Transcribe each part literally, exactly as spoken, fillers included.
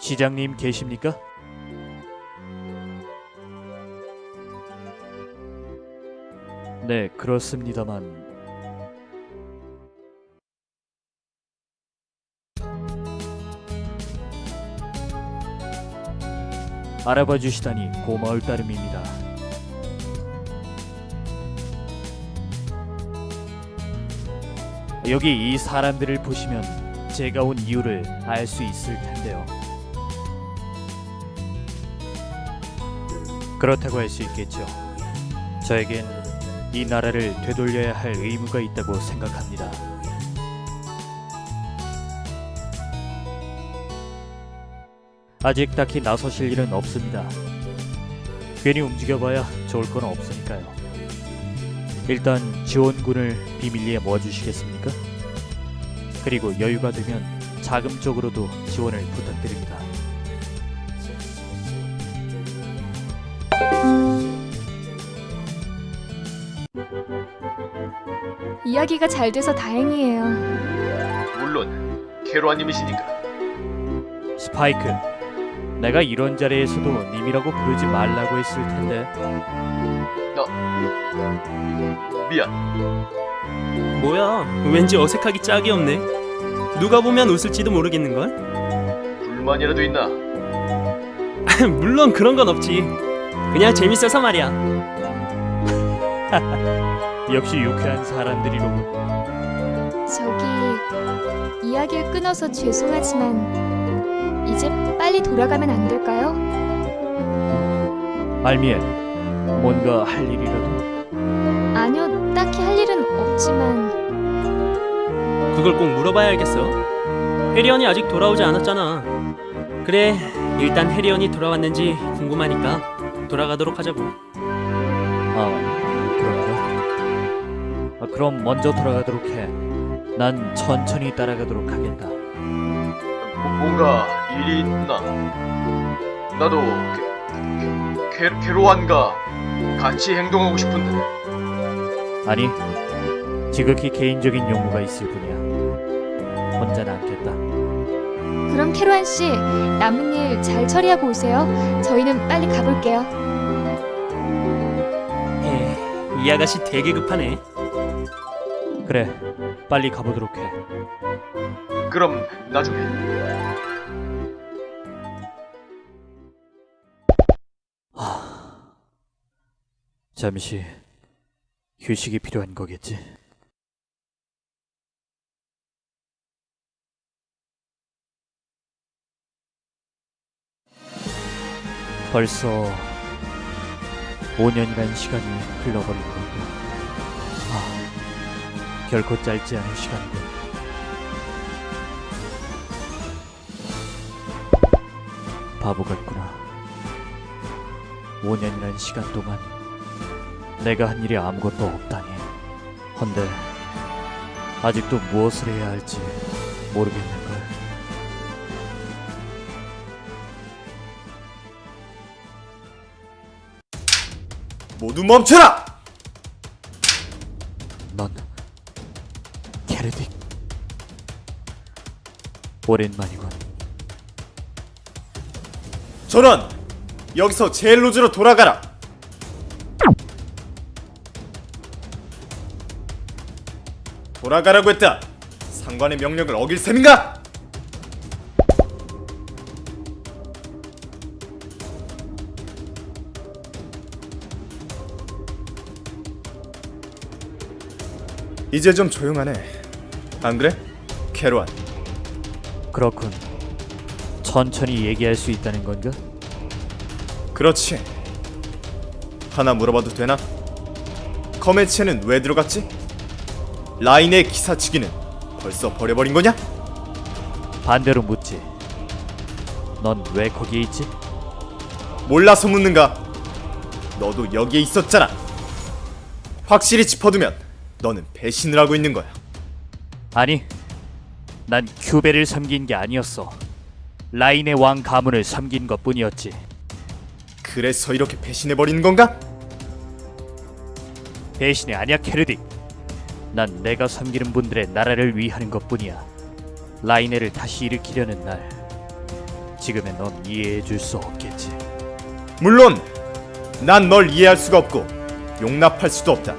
시장님 계십니까? 네, 그렇습니다만 알아봐 주시다니 고마울 따름입니다. 여기 이 사람들을 보시면 제가 온 이유를 알 수 있을 텐데요. 그렇다고 할 수 있겠죠. 저에겐 이 나라를 되돌려야 할 의무가 있다고 생각합니다. 아직 딱히 나서실 일은 없습니다. 괜히 움직여봐야 좋을 건 없으니까요. 일단 지원군을 비밀리에 모아주시겠습니까? 그리고 여유가 되면 자금 쪽으로도 지원을 부탁드립니다. 이야기가 잘 돼서 다행이에요. 물론 캐로아님이시니까. 스파이크, 내가 이런 자리에서도 님이라고 부르지 말라고 했을 텐데. 미안. 뭐야, 왠지 어색하기 짝이 없네. 누가 보면 웃을지도 모르겠는걸? 불만이라도 있나? 물론 그런 건 없지. 그냥 재밌어서 말이야. 역시 유쾌한 사람들이로군. 저기 이야기를 끊어서 죄송하지만 이제 빨리 돌아가면 안 될까요? 알미엘, 뭔가 할 일이라도? 아니요, 딱히 할 일은 없지만 그걸 꼭 물어봐야 알겠어. 해리언이 아직 돌아오지 않았잖아. 그래, 일단 해리언이 돌아왔는지 궁금하니까 돌아가도록 하자고. 아, 그런가? 아, 그럼 먼저 돌아가도록 해. 난 천천히 따라가도록 하겠다. 뭐, 뭔가 일이 있나? 나도 캐, 캐, 캐로안과 같이 행동하고 싶은데. 아니, 지극히 개인적인 용무가 있을 뿐이야. 혼자 남겠다. 그럼 캐로안 씨, 남은 일 잘 처리하고 오세요. 저희는 빨리 가볼게요. 에, 이 아가씨 되게 급하네. 그래, 빨리 가보도록 해. 그럼 나중에. 잠시 휴식이 필요한 거겠지. 벌써 오 년이란 시간이 흘러버린 건가. 아, 결코 짧지 않은 시간이군. 바보 같구나. 오 년이란 시간 동안 내가 한 일이 아무것도 없다니. 헌데 아직도 무엇을 해야 할지 모르겠는걸. 모두 멈춰라! 넌 캐르딕. 오랜만이군. 전원! 여기서 제일로즈로 돌아가라! 돌아가라고 했다! 상관의 명령을 어길 셈인가? 이제 좀 조용하네. 안 그래? 캐로안. 그렇군. 천천히 얘기할 수 있다는 건가? 그렇지. 하나 물어봐도 되나? 커메체는 왜 들어갔지? 라인의 기사치기는 벌써 버려버린 거냐? 반대로 묻지. 넌 왜 거기에 있지? 몰라서 묻는가? 너도 여기에 있었잖아. 확실히 짚어두면 너는 배신을 하고 있는 거야. 아니, 난 큐베를 섬긴 게 아니었어. 라인의 왕 가문을 섬긴 것뿐이었지. 그래서 이렇게 배신해버리는 건가? 배신이 아니야, 캐르딕. 난 내가 섬기는 분들의 나라를 위하는 것뿐이야. 라이네를 다시 일으키려는 날, 지금의 넌 이해해 줄 수 없겠지. 물론 난 널 이해할 수가 없고 용납할 수도 없다.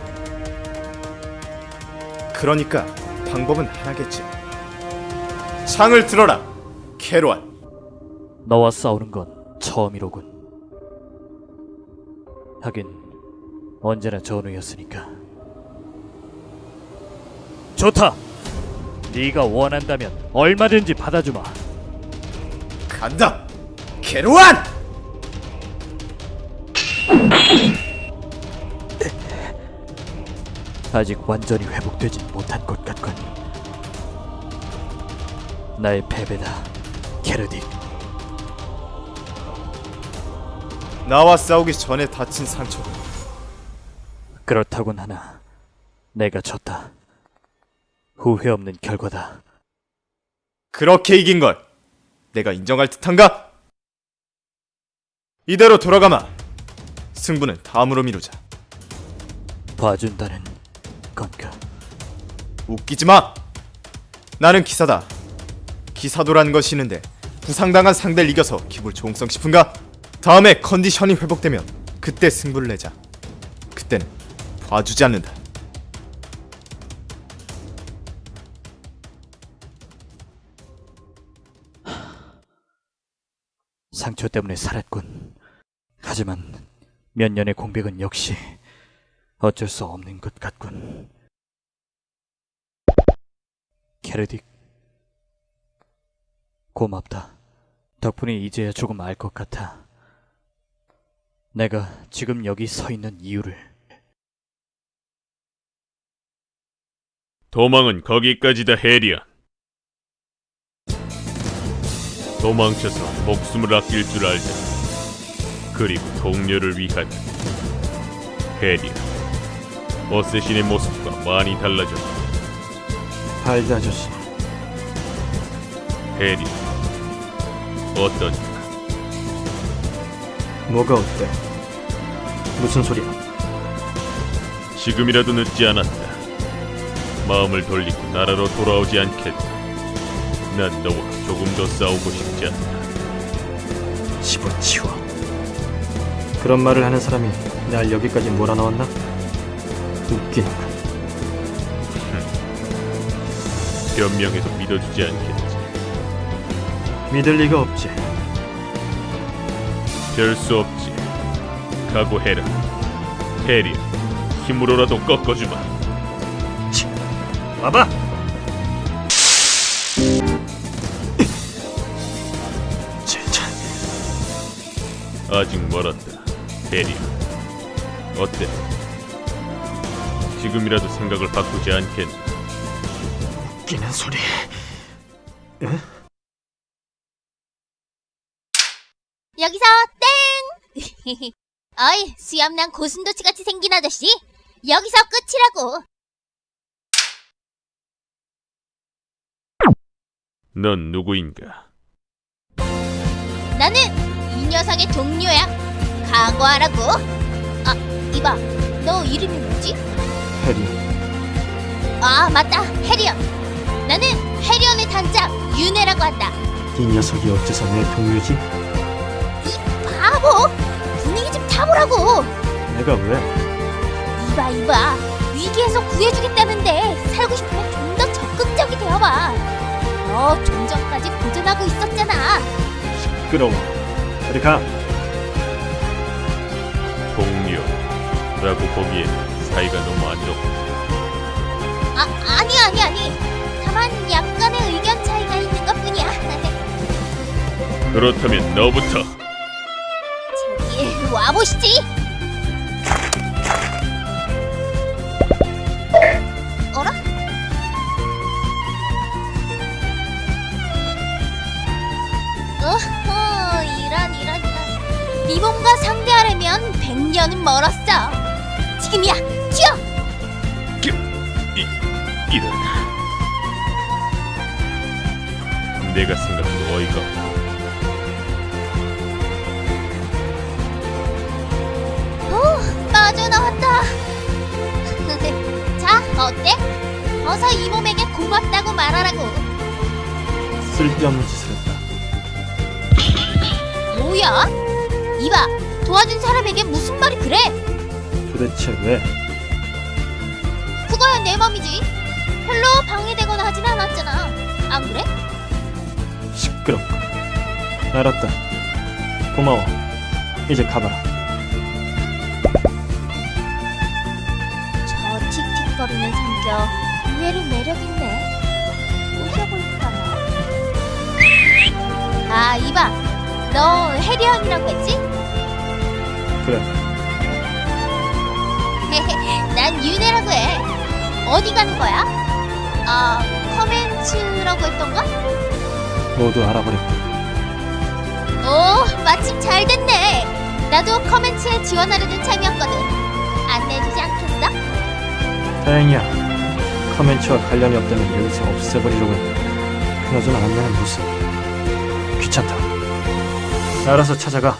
그러니까 방법은 하나겠지. 창을 들어라, 캐로안. 너와 싸우는 건 처음이로군. 하긴 언제나 전우였으니까. 좋다. 네가 원한다면 얼마든지 받아주마. 간다, 캐로안! 아직 완전히 회복되진 못한 것 같군. 나의 패배다, 게르딕. 나와 싸우기 전에 다친 상처고 그렇다곤 하나 내가 졌다. 후회 없는 결과다. 그렇게 이긴 걸 내가 인정할 듯한가? 이대로 돌아가마. 승부는 다음으로 미루자. 봐준다는 건가? 웃기지 마. 나는 기사다. 기사도라는 것이 있는데 부상당한 상대를 이겨서 기분 좋은성 싶은가? 다음에 컨디션이 회복되면 그때 승부를 내자. 그때는 봐주지 않는다. 상처 때문에 살았군. 하지만 몇 년의 공백은 역시 어쩔 수 없는 것 같군. 게르딕, 고맙다. 덕분에 이제야 조금 알 것 같아. 내가 지금 여기 서 있는 이유를. 도망은 거기까지다, 해리안. 도망쳐서 목숨을 아낄 줄 알자. 그리고 동료를 위하다. 해리안, 어쌔신의 모습과 많이 달라졌다. 할드 아저씨, 해리안, 어떠냐? 뭐가 어때? 무슨 소리야? 지금이라도 늦지 않았다. 마음을 돌리고 나라로 돌아오지 않겠다. 난 너와 조금 더 싸우고 싶지 않다. 집어치워. 그런 말을 하는 사람이 날 여기까지 몰아넣었나? 웃기는군. 변명해도 믿어주지 않겠지. 믿을 리가 없지. 별 수 없지. 각오해라. 해리야, 힘으로라도 꺾어주마. 와봐! 진짜 아직 멀었다. 해리야, 어때? 지금이라도 생각을 바꾸지 않겠나? 웃기는 소리. 여기서 땡! 어이, 수염난 고슴도치 같이 생긴 아저씨, 여기서 끝이라고. 넌 누구인가? 나는 이 녀석의 동료야. 각오하라고. 아, 이봐, 너 이름이 뭐지? 해리, 아, 맞다, 해리언. 나는 해리언의 단짝 윤혜라고 한다. 이 녀석이 어째서 내 동료지? 바보! 분위기 좀 타보라고. 내가 왜? 이봐 이봐, 위기에서 구해주겠다는데 살고 싶으면 좀 더 적극적이 되어봐. 너 좀 전까지 고전하고 있었잖아. 시끄러워. 저리 가. 동료라고 보기엔 사이가 너무 안 좋고. 아, 아니 아니 아니. 다만 약간의 의견 차이가 있는 것뿐이야. 그렇다면 너부터. 저기 와보시지. 어라? 어허, 이런 이런 이런. 네 몸과 상대하려면 백 년은 멀었어. 지금이야, 튀어! 이, 이런. 내가 생각해도 어이가 없고. 오, 빠져나왔다. 자, 어때? 어서 이 몸에게 고맙다고 말하라고. 쓸데없는 짓을 했다. 뭐야? 이봐, 도와준 사람에게 무슨 말이 그래? 도대체 왜? 그거야 내 맘이지. 별로 방해되거나 하진 않았잖아. 안 그래? 시끄럽고. 알았다. 고마워. 이제 가봐라. 저 틱틱거리는 성격 의외로 매력있네. 꼬셔볼까나? 아, 이봐, 너 해리언이라고 했지? 그래. 난 윤혜라고 해. 어디 가는 거야? 아, 커멘츠라고 했던가? 모두 알아버렸다. 오, 마침 잘 됐네. 나도 커멘츠에 지원하려던 참이었거든. 안내해주지 않겠어? 다행이야. 커멘츠와 관련이 없다면 여기서 없애버리려고 했는데 그나저나 안내는 무슨. 귀찮다. 알아서 찾아가.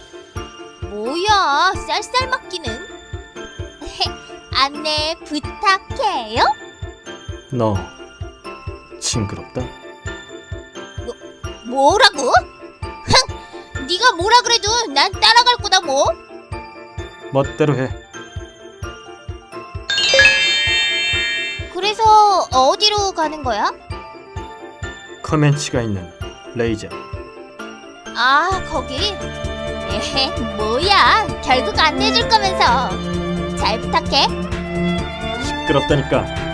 뭐야, 쌀쌀 맞기는. 안내 부탁해요? 너 징그럽다. 뭐라고? 흥! 네가 뭐라 그래도 난 따라갈 거다 뭐. 멋대로 해. 그래서 어디로 가는 거야? 커멘치가 있는 레이저. 아, 거기? 에헤, 뭐야, 결국 안내해줄 거면서. 잘 부탁해. 시끄럽다니까.